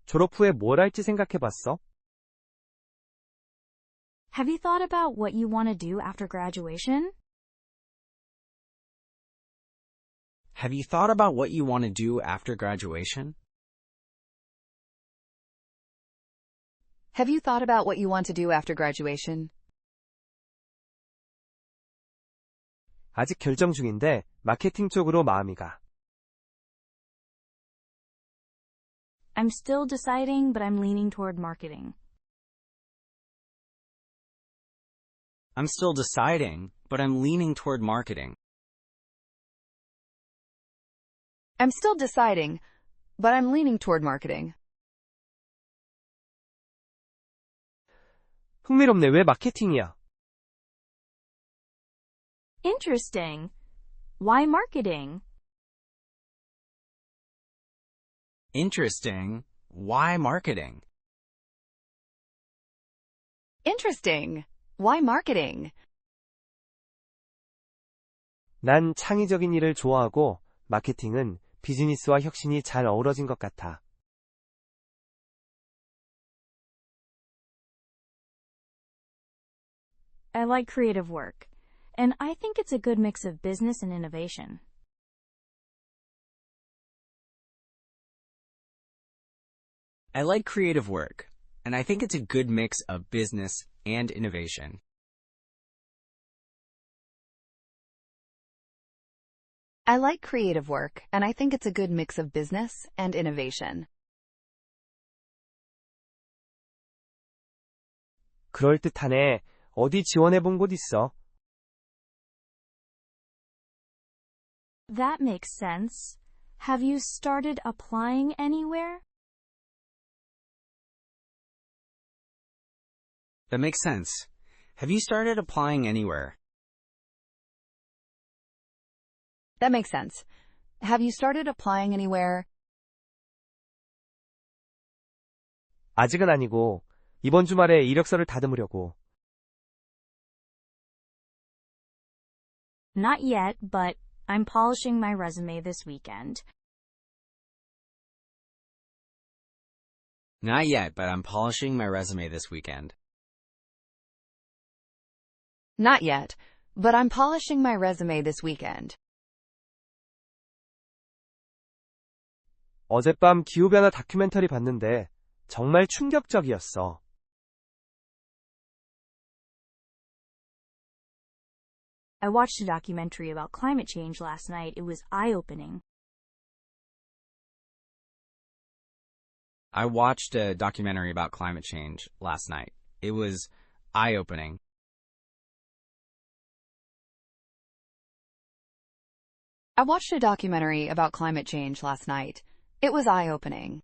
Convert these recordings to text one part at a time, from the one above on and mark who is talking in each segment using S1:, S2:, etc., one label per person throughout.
S1: 졸업 후에 뭘 할지 생각해봤어?
S2: Have you thought about what you want to do after graduation?
S3: Have you thought about what you want to do after graduation?
S4: Have you thought about what you want to do after graduation?
S1: 아직 결정 중인데 마케팅 쪽으로 마음이 가.
S2: I'm still deciding, but I'm leaning toward marketing.
S3: I'm still deciding, but I'm leaning toward marketing.
S4: I'm still deciding, but I'm leaning toward marketing.
S1: 흥미롭네. 왜 마케팅이야?
S2: Interesting. Why marketing?
S3: Interesting. Why marketing?
S4: Interesting. Why marketing?
S1: 난 창의적인 일을 좋아하고 마케팅은 비즈니스와 혁신이 잘 어우러진 것 같아.
S2: I like creative work, and I think it's a good mix of business and innovation.
S3: I like creative work, and I think it's a good mix of business and innovation.
S4: I like creative work, and I think it's a good mix of business and innovation.
S1: 그럴듯하네. 어디 지원해본 곳 있어?
S2: That makes sense. Have you started applying anywhere?
S3: That makes sense. Have you started applying anywhere?
S4: That makes sense. Have you started applying anywhere?
S1: 아직은 아니고 이번 주말에 이력서를 다듬으려고.
S2: Not yet, but I'm polishing my resume this weekend.
S3: Not yet, but I'm polishing my resume this weekend.
S4: Not yet, but I'm polishing my resume this weekend.
S1: 어젯밤 기후변화 다큐멘터리 봤는데 정말 충격적이었어.
S2: I watched a documentary about climate change last night. It was eye-opening.
S3: I watched a documentary about climate change last night. It was eye-opening.
S4: I watched a documentary about climate change last night. It was eye-opening.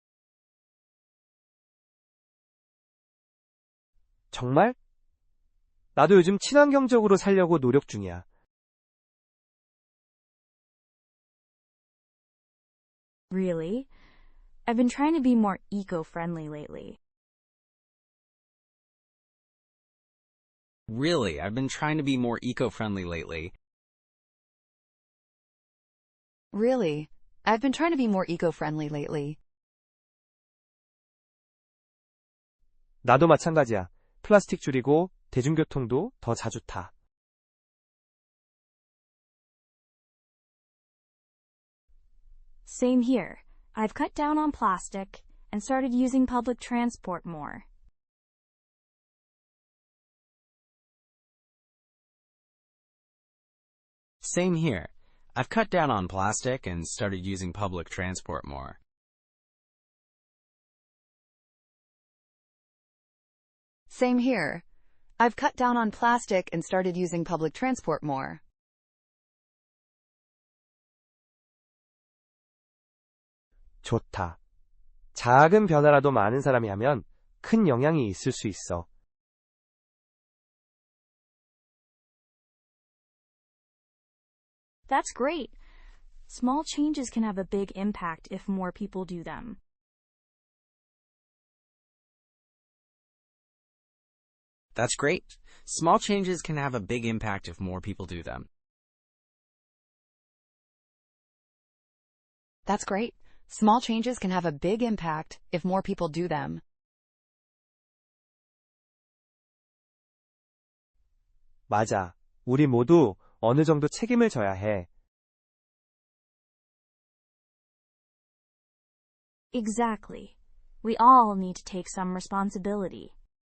S1: 정말? 나도 요즘 친환경적으로 살려고 노력 중이야.
S2: Really? I've been trying to be more eco-friendly lately.
S3: Really, I've been trying to be more eco-friendly lately.
S4: Really? I've been trying to be more eco-friendly lately.
S1: 나도 마찬가지야. 플라스틱 줄이고 대중교통도 더 자주 타.
S2: Same here. I've cut down on plastic and started using public transport more.
S3: Same here. I've cut down on plastic and started using public transport more.
S4: Same here. I've cut down on plastic and started using public transport more.
S1: 좋다. 작은 변화라도 많은 사람이 하면 큰 영향이 있을 수 있어.
S2: That's great. Small changes can have a big impact if more people do them.
S3: That's great. Small changes can have a big impact if more people do them.
S4: That's great. Small changes can have a big impact if more people do them.
S1: 맞아. 우리 모두 어느 정도 책임을 져야 해.
S2: Exactly. We all need to take some responsibility.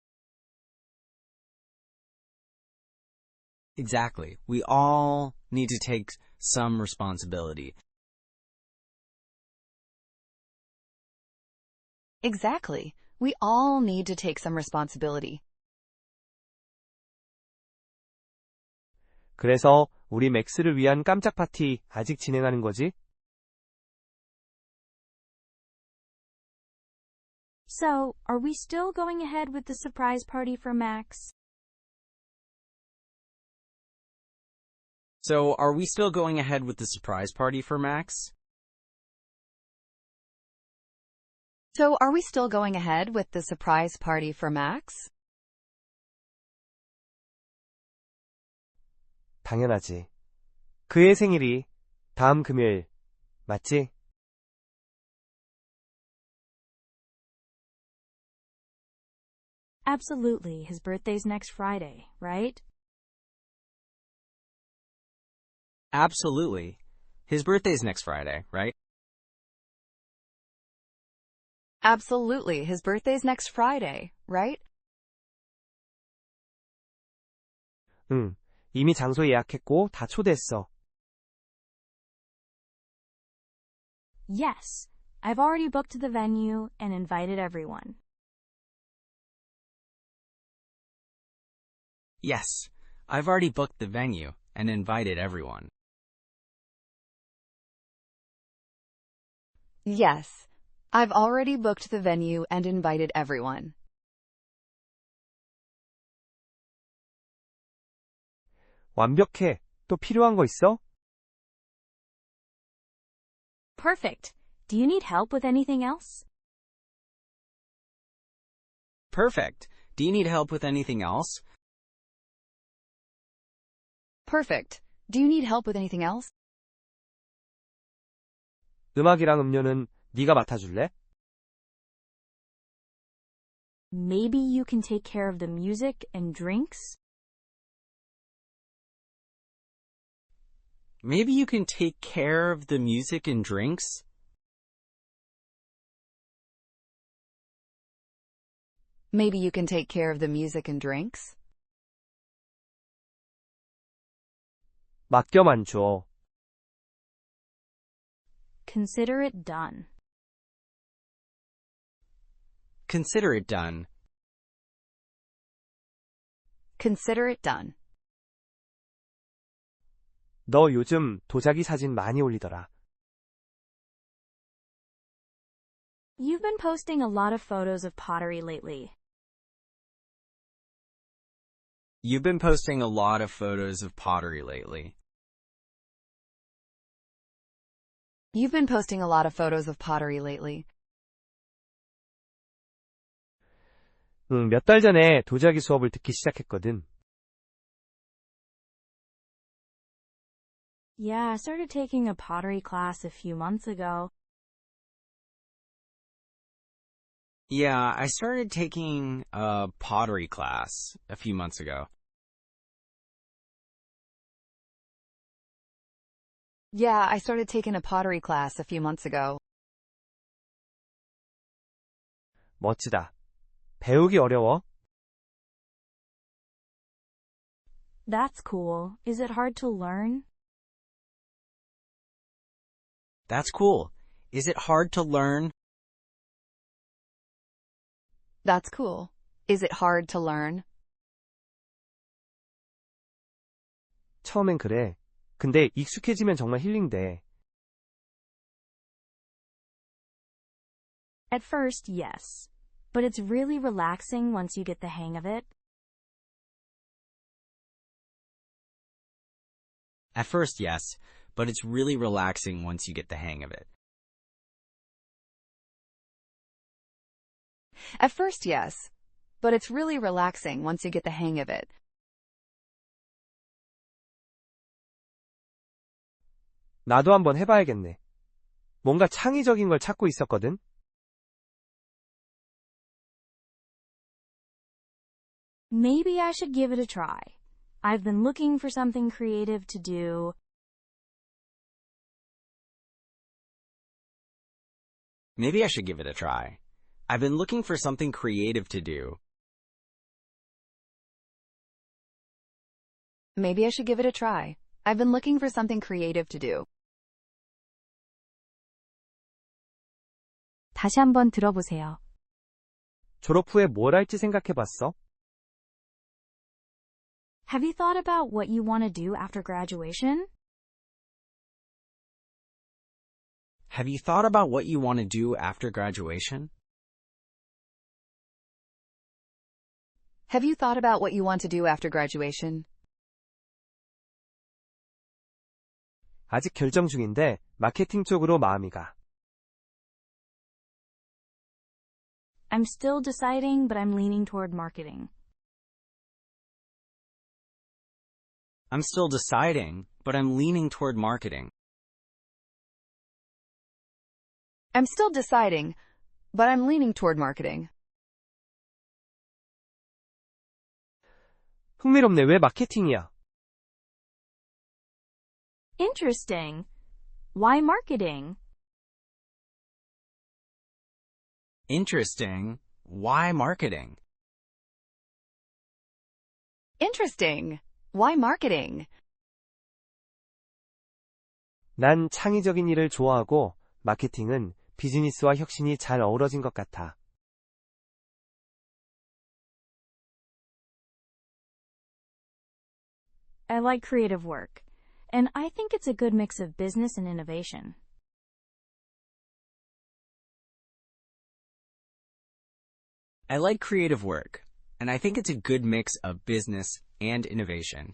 S3: Exactly. We all need to take some responsibility.
S4: Exactly. We all need to take some responsibility.
S1: 그래서 우리 맥스를 위한 깜짝 파티 아직 진행하는 거지?
S2: So, are we still going ahead with the surprise party for Max?
S3: So, are we still going ahead with the surprise party for Max?
S4: So, are we still going ahead with the surprise party for Max?
S1: 당연하지. 그의 생일이 다음 금요일, 맞지?
S2: Absolutely. His birthday's next Friday, right?
S3: Absolutely. His birthday's next Friday, right?
S4: Absolutely. His birthday's next Friday, right?
S1: 응. 이미 장소 예약했고 다 초대했어.
S2: Yes. I've already booked the venue and invited everyone.
S3: Yes. I've already booked the venue and invited everyone.
S4: Yes. I've already booked the venue and invited everyone.
S1: 완벽해. 또 필요한 거 있어?
S2: Perfect. Do you need help with anything else?
S3: Perfect. Do you need help with anything else?
S4: Perfect. Do you need help with anything else?
S1: 음악이랑 음료는 네가 맡아줄래?
S2: Maybe you can take care of the music and drinks?
S3: Maybe you can take care of the music and drinks?
S4: Maybe you can take care of the music and drinks?
S1: 맡겨만 줘.
S2: Consider it done.
S3: Consider it done.
S4: Consider it done.
S1: 너 요즘 도자기 사진 많이 올리더라.
S2: You've been posting a lot of photos of pottery lately.
S3: You've been posting a lot of photos of pottery lately.
S4: You've been posting a lot of photos of pottery lately.
S1: 응, 몇 달 전에 도자기 수업을 듣기 시작했거든.
S2: Yeah, I started taking a pottery class a few months ago.
S3: Yeah, I started taking a pottery class a few months ago.
S4: Yeah, I started taking a pottery class a few months ago.
S1: 멋지다. 배우기 어려워?
S2: That's cool. Is it hard to learn?
S3: That's cool. Is it hard to learn?
S4: That's cool. Is it hard to learn?
S1: 처음엔 그래. 근데 익숙해지면 정말 힐링돼.
S2: At first, yes. But it's really relaxing once you get the hang of it.
S3: At first, yes, but it's really relaxing once you get the hang of it.
S4: At first, yes. But it's really relaxing once you get the hang of it.
S1: 나도 한번 해봐야겠네. 뭔가 창의적인 걸 찾고 있었거든.
S2: Maybe I should give it a try. I've been looking for something creative to do.
S3: Maybe I should give it a try. I've been looking for something creative to do.
S4: Maybe I should give it a try. I've been looking for something creative to do.
S2: 다시 한번 들어보세요.
S1: 졸업 후에 뭘 할지 생각해봤어?
S2: Have you thought about what you want to do after graduation?
S3: Have you thought about what you want to do after graduation?
S4: Have you thought about what you want to do after graduation?
S1: 아직 결정 중인데 마케팅 쪽으로 마음이 가.
S2: I'm still deciding, but I'm leaning toward marketing.
S3: I'm still deciding, but I'm leaning toward marketing.
S4: I'm still deciding, but I'm leaning toward marketing.
S1: 흥미롭네. 왜 마케팅이야?
S2: Interesting. Why marketing?
S3: Interesting. Why marketing?
S4: Interesting. Why marketing?
S1: 난 창의적인 일을 좋아하고 마케팅은 비즈니스와 혁신이 잘 어우러진 것 같아.
S2: I like creative work, and I think it's a good mix of business and innovation.
S3: I like creative work, and I think it's a good mix of business and innovation.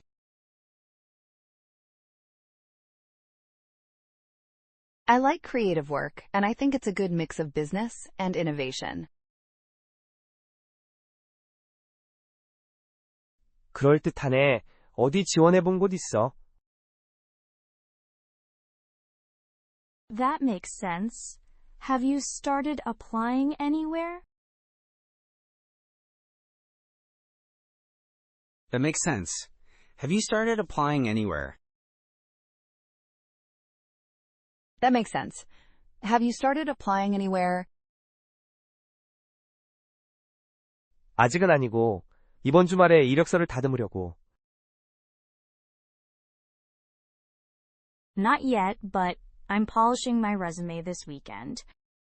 S4: I like creative work, and I think it's a good mix of business and innovation.
S1: 그럴듯하네. 어디 지원해본 곳 있어?
S2: That makes sense. Have you started applying anywhere?
S3: That makes sense. Have you started applying anywhere?
S4: That makes sense. Have you started applying anywhere?
S1: 아직은 아니고 이번 주말에 이력서를 다듬으려고.
S2: Not yet, but I'm polishing my resume this weekend.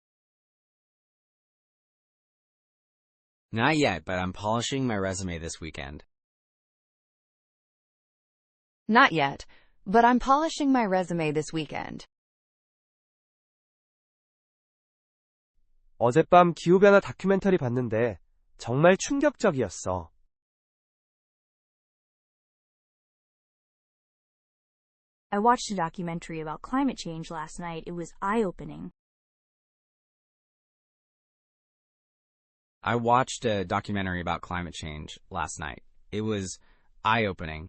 S3: Not yet, but I'm polishing my resume this weekend.
S4: Not yet, but I'm polishing my resume this weekend.
S1: 어젯밤 기후변화 다큐멘터리 봤는데 정말 충격적이었어.
S2: I watched a documentary about climate change last night. It was eye-opening.
S3: I watched a documentary about climate change last night. It was eye-opening.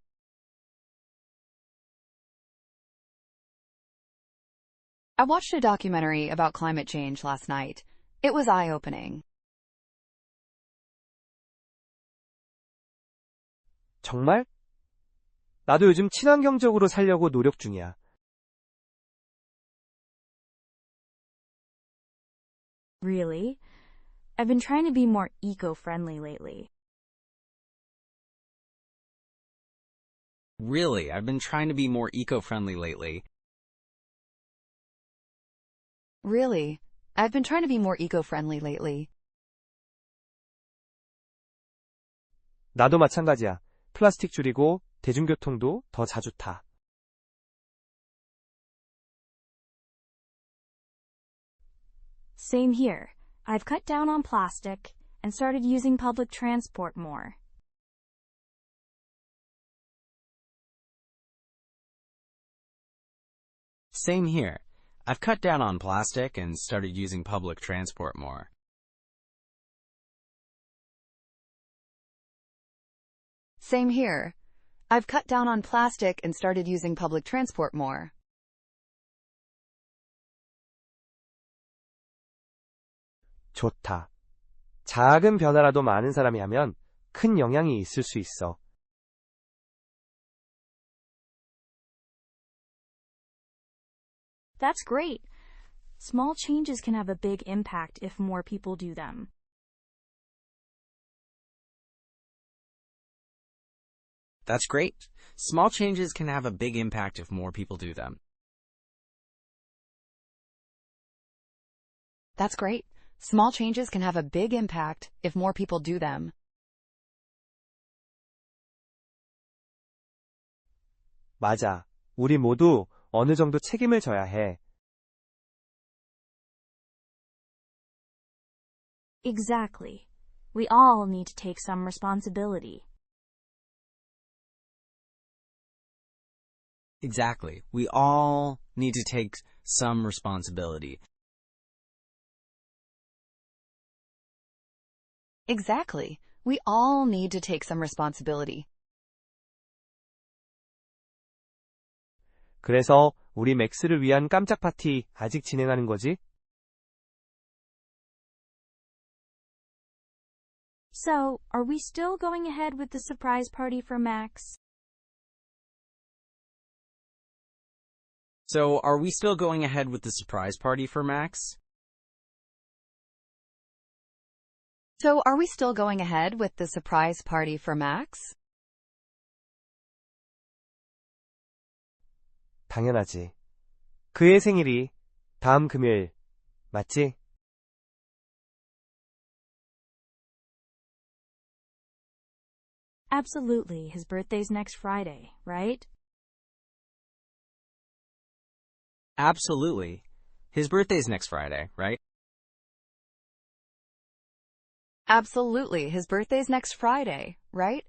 S4: I watched a documentary about climate change last night. It was eye-opening.
S1: 정말? 나도 요즘 친환경적으로 살려고 노력 중이야.
S2: Really? I've been trying to be more eco-friendly lately.
S3: Really, I've been trying to be more eco-friendly lately.
S4: Really? I've been trying to be more eco-friendly lately.
S1: 나도 마찬가지야. 플라스틱 줄이고 대중교통도 더 자주 타.
S2: Same here. I've cut down on plastic and started using public transport more.
S3: Same here. I've cut down on plastic and started using public transport more.
S4: Same here. I've cut down on plastic and started using public transport more.
S1: 좋다. 작은 변화라도 많은 사람이 하면 큰 영향이 있을 수 있어.
S2: That's great. Small changes can have a big impact if more people do them.
S3: That's great. Small changes can have a big impact if more people do them.
S4: That's great. Small changes can have a big impact if more people do them.
S1: 맞아. 우리 모두 어느 정도 책임을 져야 해.
S2: Exactly. We all need to take some responsibility.
S3: Exactly. We all need to take some responsibility.
S4: Exactly. We all need to take some responsibility.
S1: 그래서 우리 맥스를 위한 깜짝 파티 아직 진행하는 거지?
S2: So, are we still going ahead with the surprise party for Max?
S3: So, are we still going ahead with the surprise party for Max?
S4: So, are we still going ahead with the surprise party for Max?
S1: 당연하지. 그의 생일이 다음 금요일, 맞지?
S2: Absolutely. His birthday's next Friday, right?
S3: Absolutely. His birthday's next Friday, right?
S4: Absolutely. His birthday's next Friday, right?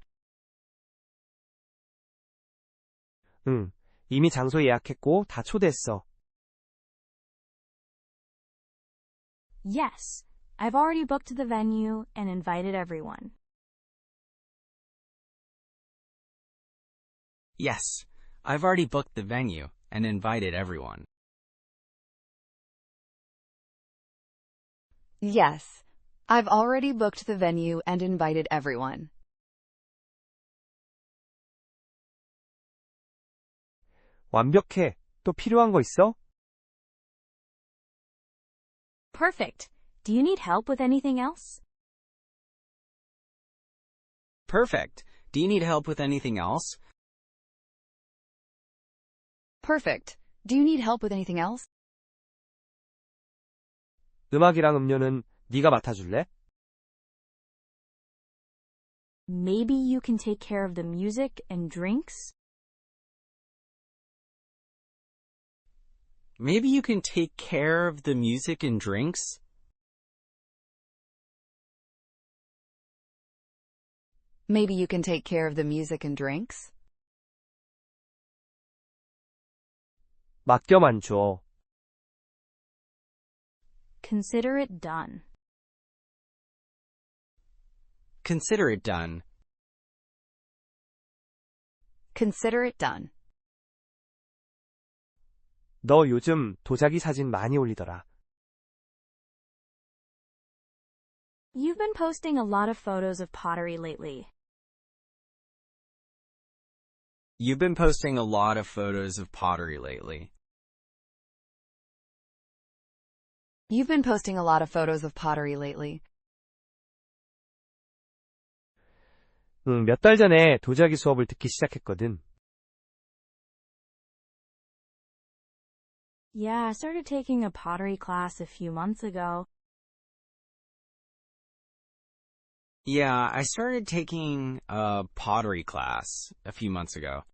S1: 응. 이미 장소 예약했고 다 초대했어.
S2: Yes. I've already booked the venue and invited everyone.
S3: Yes. I've already booked the venue and invited everyone.
S4: Yes. I've already booked the venue and invited everyone.
S1: 완벽해. 또 필요한 거 있어?
S2: Perfect. Do you need help with anything else?
S3: Perfect. Do you need help with anything else?
S4: Perfect. Do you need help with anything else?
S1: 음악이랑 음료는 네가 맡아줄래?
S2: Maybe you can take care of the music and drinks?
S3: Maybe you can take care of the music and drinks?
S4: Maybe you can take care of the music and drinks?
S1: 맡겨만 줘.
S2: Consider it done.
S3: Consider it done.
S4: Consider it done.
S1: 너 요즘 도자기 사진 많이 올리더라.
S2: You've been posting a lot of photos of pottery lately.
S3: You've been posting a lot of photos of pottery lately.
S4: You've been posting a lot of photos of pottery lately.
S1: 응, 몇 달 전에 도자기 수업을 듣기 시작했거든.
S2: Yeah, I started taking a pottery class a few months ago.
S3: Yeah, I started taking a pottery class a few months ago.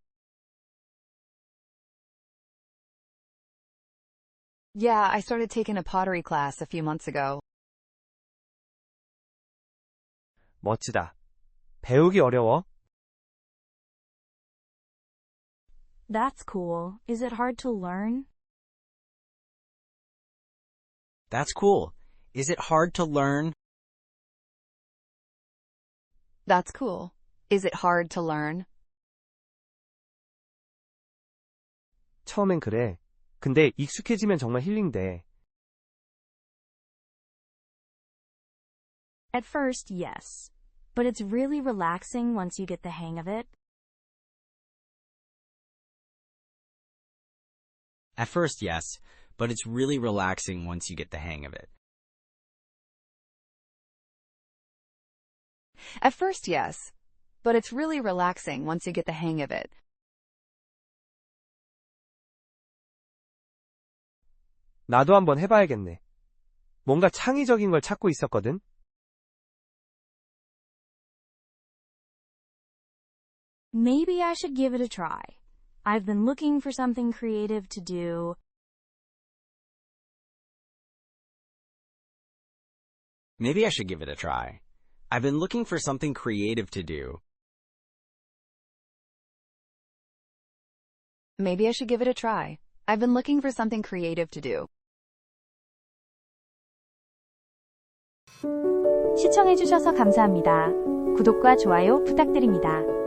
S4: Yeah, I started taking a pottery class a few months ago.
S1: 멋지다. 배우기 어려워?
S2: That's cool. Is it hard to learn?
S3: That's cool. Is it hard to learn?
S4: That's cool. Is it hard to learn?
S1: 처음엔 그래. 근데 익숙해지면 정말 힐링돼.
S2: At first, yes. But it's really relaxing once you get the hang of it.
S3: At first, yes, but it's really relaxing once you get the hang of it.
S4: At first, yes. But it's really relaxing once you get the hang of it.
S1: 나도 한번 해봐야겠네. 뭔가 창의적인 걸 찾고 있었거든.
S2: Maybe I should give it a try. I've been looking for something creative to do.
S3: Maybe I should give it a try. I've been looking for something creative to do.
S4: Maybe I should give it a try. I've been looking for something creative to do.
S2: 시청해주셔서 감사합니다. 구독과 좋아요 부탁드립니다.